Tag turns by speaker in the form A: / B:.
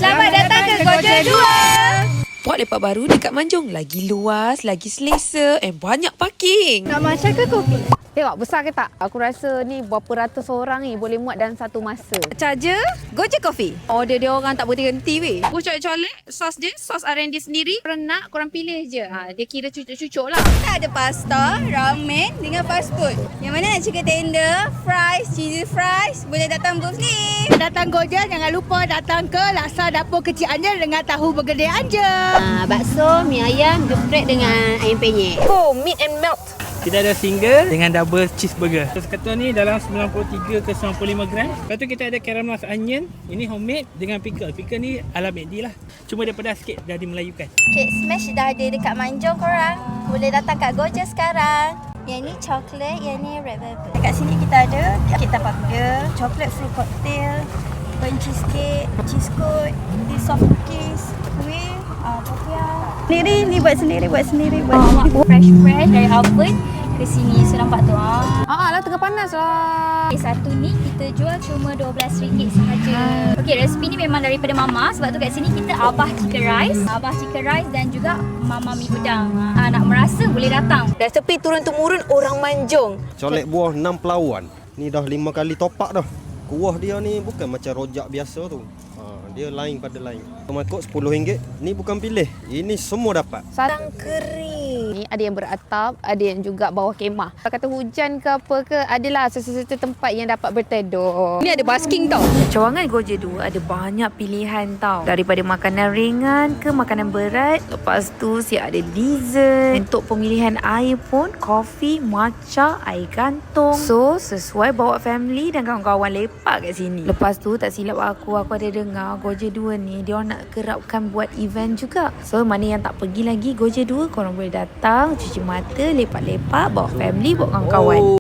A: Selamat datang ke Gojek 2.
B: Spot lepak baru dekat Manjung. Lagi luas, lagi selesa and banyak parking.
A: Nak matcha ke kopi?
C: Tengok besar ke tak? Aku rasa ni berapa ratus orang ni boleh muat dalam satu masa.
B: Charger, Gojek Coffee.
C: Order dia orang tak berhenti weh.
A: Aku colek sos dia, sos R&D sendiri. Korang nak, korang pilih je. Dia kira cucuk-cucuk lah.
D: Ada pasta, ramen dengan fast food. Yang mana nak chicken tender, fries, cheesy fries, boleh datang booth ni.
E: Datang Gojek, jangan lupa datang ke Laksa Dapur Kecil Anja dengan tahu bergedil Anja.
F: Bakso, mie ayam, geprek dengan ayam penyet.
C: Oh, meat and melt.
G: Kita ada single dengan double cheeseburger. Kesatuan ni dalam 93 ke 95 gram. Lepas tu kita ada caramelized onion. Ini homemade dengan pickle. Pickle ni ala McD lah. Cuma dia pedas sikit, dah dimelayukan.
D: Cake smash dah ada dekat Manjung korang. Boleh datang kat Gojek sekarang. Yang ni coklat, yang ni red velvet. Dekat sini kita ada kek tapak burger, coklat fruit cocktail, burnt cheesecake, cheese coat, tea soft cookies, kuih, popiah. Ni buat sendiri.
A: Fresh dari oven ke sini. So nampak tu.
C: Lah tengah panas lah.
A: Satu ni kita jual cuma RM12 sahaja. Okey, resipi ni memang daripada Mama. Sebab tu kat sini kita Abah Chicken Rice dan juga Mama Mi Udang. Nak merasa boleh datang.
C: Resepi turun-temurun orang Manjung.
H: Colek buah 6 pelawan. Ni dah 5 kali topak dah. Kuah dia ni bukan macam rojak biasa tu. Dia lain pada lain. Tomakot RM10. Ni bukan pilih. Ini semua dapat.
C: Sarang kering. Ni ada yang beratap, ada yang juga bawah kemah. Kalau kata hujan ke apa ke, adalah sesuatu tempat yang dapat berteduh. Ni ada basking tau.
B: Cawangan Gojek 2 ada banyak pilihan tau. Daripada makanan ringan ke makanan berat. Lepas tu siap ada dessert. Untuk pemilihan air pun, kopi, matcha, air gantung. So, sesuai bawa family dan kawan-kawan lepak kat sini. Lepas tu, tak silap aku ada dengar Gojek 2 ni dia orang nak kerapkan buat event juga. So mana yang tak pergi lagi Gojek 2, korang boleh datang, cuci mata, lepak-lepak, bawa family, bawa kawan-kawan.